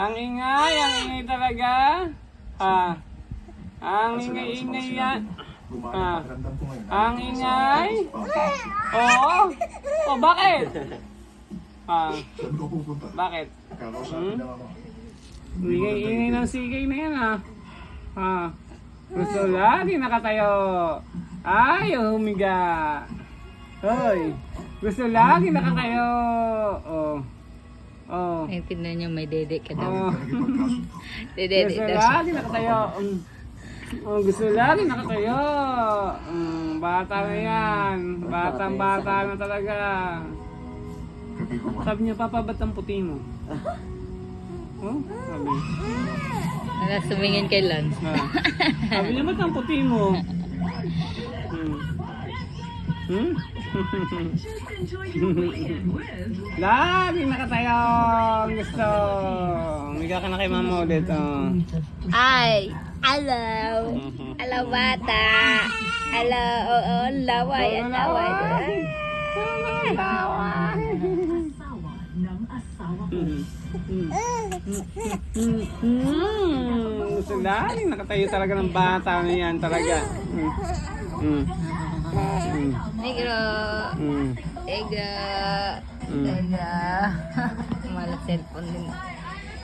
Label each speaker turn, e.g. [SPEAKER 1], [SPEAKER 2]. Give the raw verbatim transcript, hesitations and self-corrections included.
[SPEAKER 1] Ang ingay, ang ingay talaga. Ha? Ang ingay-ingay yan. Ha? Ang ingay. Oo. Oh, bakit? Ha? Bakit? Hmm? Ingay-ingay ng sigay na yan ha. Ha? Gusto lagi nakatayo. Ay, humiga. Hoy. Gusto lagi nakatayo. Oh. Oh.
[SPEAKER 2] Ay, tignan niyo, may dede ka daw.
[SPEAKER 1] Oh.
[SPEAKER 2] Dede
[SPEAKER 1] Gusto
[SPEAKER 2] daw siya.
[SPEAKER 1] lagi nakatayo. Mm. Oh, gusto lagi nakatayo. Mm, bata na yan. Batang bata na talaga. Sabi niya, Papa, ba't ang puti mo? Oh, sabi.
[SPEAKER 2] Wala, sumingin kay Lance.
[SPEAKER 1] Ha. Sabi niya, ba't ang puti mo? Hmm. Hmm? Lagi nakatayo. Ang gusto. Umiga ka na kay mama ulit. Oh.
[SPEAKER 2] Ay, hello. Hello, bata. Hello, oo, laway, laway.
[SPEAKER 1] Laway. Gusto lagi nakatayo talaga ng bata na yan talaga. Mm. Mm.
[SPEAKER 2] Negro.
[SPEAKER 1] Mm.
[SPEAKER 2] Negro.
[SPEAKER 1] Mm.
[SPEAKER 2] Negro. Malas cellphone din.